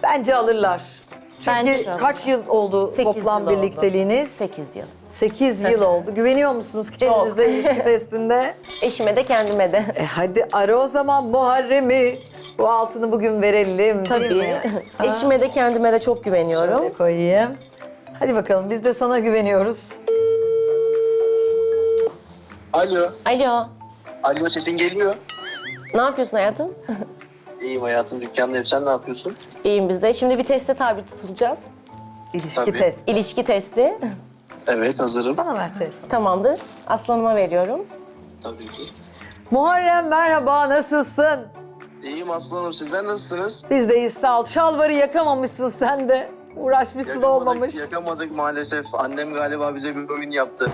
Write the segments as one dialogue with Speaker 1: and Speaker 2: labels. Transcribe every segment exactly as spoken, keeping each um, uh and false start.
Speaker 1: Bence alırlar. Çünkü
Speaker 2: Bence de
Speaker 1: kaç yıl oldu
Speaker 2: Sekiz
Speaker 1: toplam
Speaker 2: yıl oldu.
Speaker 1: birlikteliğiniz?
Speaker 2: sekiz yıl.
Speaker 1: sekiz yıl oldu. Güveniyor musunuz kendinize ilişki testinde?
Speaker 2: Eşime de kendime de.
Speaker 1: E hadi ara o zaman Muharrem'i. Bu altını bugün verelim değil
Speaker 2: Tabii.
Speaker 1: mi?
Speaker 2: Eşime de kendime de çok güveniyorum.
Speaker 1: Şöyle koyayım. Hadi bakalım biz de sana güveniyoruz.
Speaker 3: Alo.
Speaker 2: Alo.
Speaker 3: Alo, sesin geliyor.
Speaker 2: Ne yapıyorsun hayatım?
Speaker 3: İyiyim hayatım, dükkandayım. Sen ne yapıyorsun?
Speaker 2: İyiyim biz de. Şimdi bir teste tabi tutulacağız.
Speaker 1: İlişki
Speaker 3: Tabii.
Speaker 1: test.
Speaker 2: İlişki testi.
Speaker 3: Evet, hazırım.
Speaker 1: Bana ver telefonu.
Speaker 2: Tamamdır. Aslanıma veriyorum.
Speaker 3: Tabii ki.
Speaker 1: Muharrem merhaba, nasılsın?
Speaker 3: İyiyim aslanım, sizler nasılsınız?
Speaker 1: Biz deyiz sağ ol. Şalvarı yakamamışsın sen de. Uğraşmışsın olmamış.
Speaker 3: Yakamadık maalesef. Annem galiba bize bir oyun yaptı.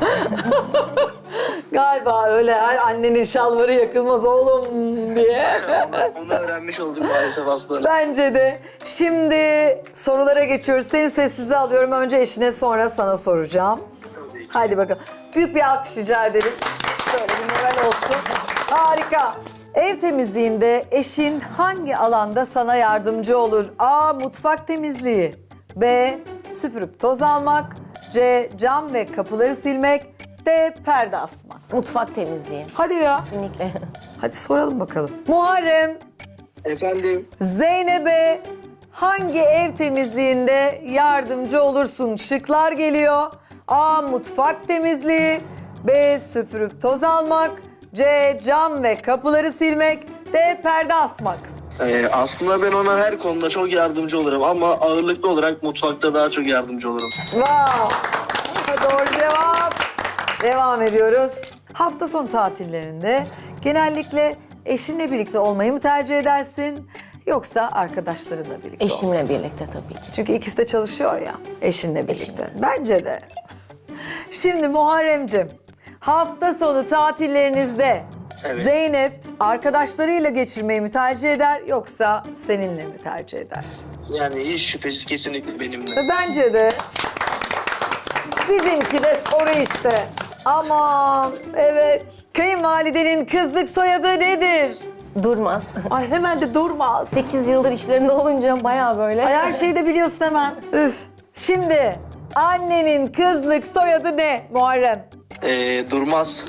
Speaker 1: Galiba öyle her annenin şalvarı yakılmaz oğlum diye.
Speaker 3: onu, onu öğrenmiş olduk maalesef aslanım.
Speaker 1: Bence de. Şimdi sorulara geçiyoruz. Seni sessize alıyorum. Önce eşine sonra sana soracağım.
Speaker 3: Tabii ki.
Speaker 1: Hadi bakalım. Büyük bir alkış rica edelim. Şöyle bir moral olsun. Harika. Ev temizliğinde eşin hangi alanda sana yardımcı olur? A. Mutfak temizliği. B. Süpürüp toz almak. C. Cam ve kapıları silmek. D. Perde asmak.
Speaker 2: Mutfak temizliği.
Speaker 1: Hadi ya.
Speaker 2: Kesinlikle.
Speaker 1: Hadi soralım bakalım. Muharrem,
Speaker 3: Efendim,
Speaker 1: Zeynep'e hangi ev temizliğinde yardımcı olursun? Şıklar geliyor. A. Mutfak temizliği. B. Süpürüp toz almak. C. Cam ve kapıları silmek. D. Perde asmak.
Speaker 3: e, aslında ben ona her konuda çok yardımcı olurum ama ağırlıklı olarak mutfakta daha çok yardımcı olurum.
Speaker 1: Wow. Doğru cevap. Devam ediyoruz. Hafta sonu tatillerinde genellikle eşinle birlikte olmayı mı tercih edersin? Yoksa arkadaşlarınla birlikte olmayı?
Speaker 2: Eşimle birlikte tabii ki.
Speaker 1: Çünkü ikisi de çalışıyor ya eşinle birlikte.
Speaker 2: Eşimle.
Speaker 1: Bence de. Şimdi Muharremciğim, hafta sonu tatillerinizde
Speaker 3: Evet.
Speaker 1: Zeynep arkadaşlarıyla geçirmeyi mi tercih eder yoksa seninle mi tercih eder?
Speaker 3: Yani hiç şüphesiz kesinlikle benimle.
Speaker 1: Ve bence de bizimki de soru işte. Aman evet. Kayınvalidenin kızlık soyadı nedir?
Speaker 2: Durmaz.
Speaker 1: Ay hemen de durmaz.
Speaker 2: sekiz yıldır işlerinde olunca bayağı böyle.
Speaker 1: Ay her şeyi de biliyorsun hemen. Üf. Şimdi annenin kızlık soyadı ne Muharrem?
Speaker 3: E, durmaz.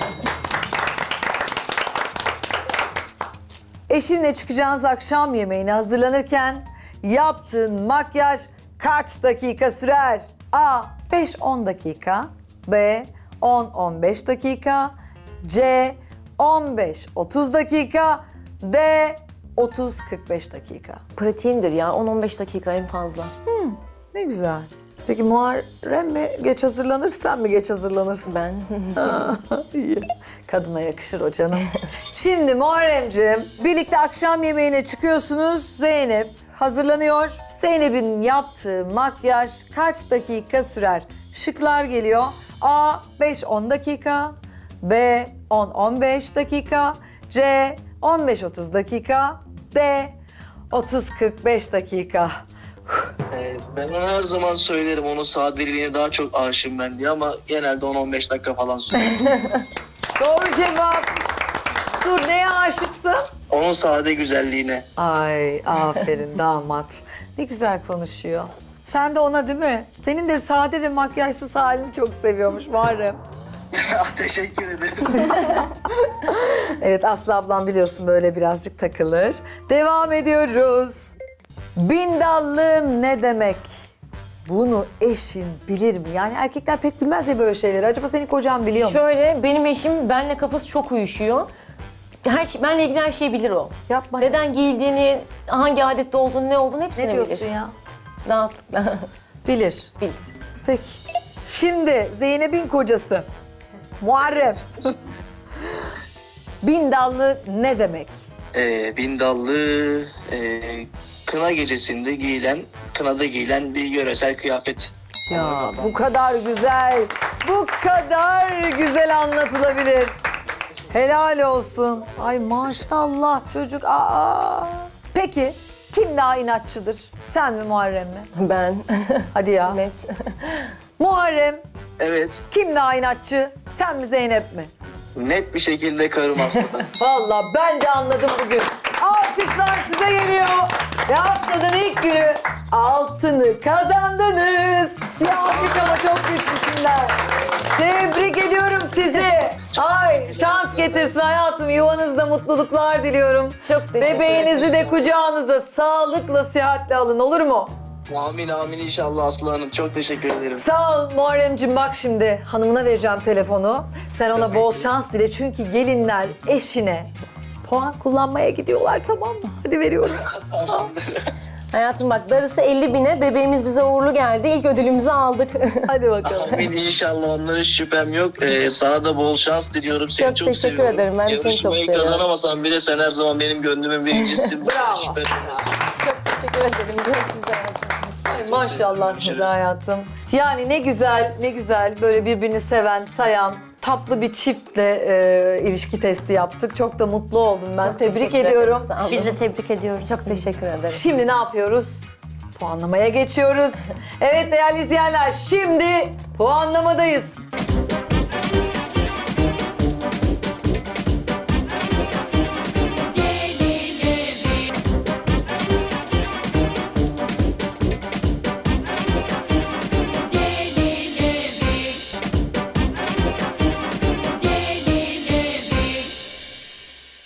Speaker 1: Eşinle çıkacağınız akşam yemeğine hazırlanırken yaptığın makyaj kaç dakika sürer? A. beş on dakika. B. on on beş dakika. C. on beş otuz dakika. D. otuz kırk beş dakika.
Speaker 2: Pratiğimdir ya. on on beş dakika en fazla.
Speaker 1: Ne güzel. Peki Muharrem mi geç hazırlanır, sen mi geç hazırlanırsın?
Speaker 2: Ben.
Speaker 1: İyi. Kadına yakışır o canım. Şimdi Muharremciğim, birlikte akşam yemeğine çıkıyorsunuz. Zeynep hazırlanıyor. Zeynep'in yaptığı makyaj kaç dakika sürer? Şıklar geliyor. A. beş on dakika. B. on on beş dakika. C. on beş otuz dakika. D. otuz kırk beş dakika.
Speaker 3: E, ben ona her zaman söylerim, onun sadeliğine daha çok aşığım ben diye ama genelde on on beş dakika falan sürüyor.
Speaker 1: Doğru cevap. Dur, neye aşıksın?
Speaker 3: Onun sade güzelliğine.
Speaker 1: Ay aferin damat. Ne güzel konuşuyor. Sen de ona değil mi? Senin de sade ve makyajsız halini çok seviyormuş Muharrem.
Speaker 3: Teşekkür ederim.
Speaker 1: Evet, Aslı ablam biliyorsun böyle birazcık takılır. Devam ediyoruz. Bindallı ne demek? Bunu eşin bilir mi? Yani erkekler pek bilmez ya böyle şeyleri. Acaba senin kocan biliyor mu?
Speaker 2: Şöyle benim eşim benimle kafası çok uyuşuyor. Her şey, benle ilgili her şeyi bilir o.
Speaker 1: Yapma.
Speaker 2: Neden giyildiğini, hangi adette olduğunu, ne olduğunu hepsini
Speaker 1: Ne diyorsun
Speaker 2: bilir.
Speaker 1: ya?
Speaker 2: Rahatlıkla.
Speaker 1: Bilir.
Speaker 2: Bilir.
Speaker 1: Peki. Şimdi Zeynep'in kocası Muharrem. Bindallı ne demek?
Speaker 3: Ee, bindallı, e, kına gecesinde giyilen, kınada giyilen bir yöresel kıyafet.
Speaker 1: Ya bu kadar güzel, bu kadar güzel anlatılabilir. Helal olsun. Ay maşallah çocuk. Aa. Peki kim daha inatçıdır? Sen mi Muharrem mi?
Speaker 2: Ben.
Speaker 1: Hadi ya.
Speaker 2: Net.
Speaker 1: Muharrem
Speaker 3: Evet,
Speaker 1: kim daha inatçı? Sen mi Zeynep mi?
Speaker 3: net bir şekilde karım aslında.
Speaker 1: Vallahi ben de anladım bugün. Aferin. Alkışlar size geliyor. Ve haftanın ilk günü altını kazandınız. Bir alkış ama çok güçlüsünler. Tebrik ediyorum sizi. Ay şans getirsin hayatım. Yuvanızda mutluluklar diliyorum.
Speaker 2: Çok teşekkür ederim.
Speaker 1: Bebeğinizi de kucağınıza sağlıkla, sıhhatle alın, olur mu?
Speaker 3: Amin amin inşallah Aslı Hanım. Çok teşekkür ederim.
Speaker 1: Sağ ol Muharremciğim, bak şimdi hanımına vereceğim telefonu. Sen ona bol şans dile çünkü gelinler eşine puan kullanmaya gidiyorlar, tamam mı? Hadi veriyorum.
Speaker 2: Hayatım bak, darısı elli bine, bebeğimiz bize uğurlu geldi. İlk ödülümüzü aldık.
Speaker 1: Hadi bakalım.
Speaker 3: Amin inşallah, onlara hiç şüphem yok. Ee, sana da bol şans diliyorum. Seni
Speaker 2: Çok
Speaker 3: çok,
Speaker 2: teşekkür
Speaker 3: seviyorum.
Speaker 2: ederim. Ben de seni çok
Speaker 3: Yarışmayı
Speaker 2: seviyorum.
Speaker 3: kazanamasam bile sen her zaman benim gönlümün birincisisin.
Speaker 1: Bravo.
Speaker 3: Şüphem yok.
Speaker 2: Çok teşekkür ederim. Görüşürüz hayatım.
Speaker 1: Ay, maşallah size hayatım. Yani ne güzel, ne güzel böyle birbirini seven, sayan, tatlı bir çiftle e, ilişki testi yaptık. Çok da mutlu oldum ben.
Speaker 2: Çok
Speaker 1: Tebrik
Speaker 2: teşekkür
Speaker 1: ediyorum.
Speaker 2: ederim, sağ olun.
Speaker 4: Biz de tebrik ediyoruz.
Speaker 2: Çok teşekkür ederim.
Speaker 1: Şimdi ne yapıyoruz? Puanlamaya geçiyoruz. Evet değerli izleyenler, şimdi puanlamadayız.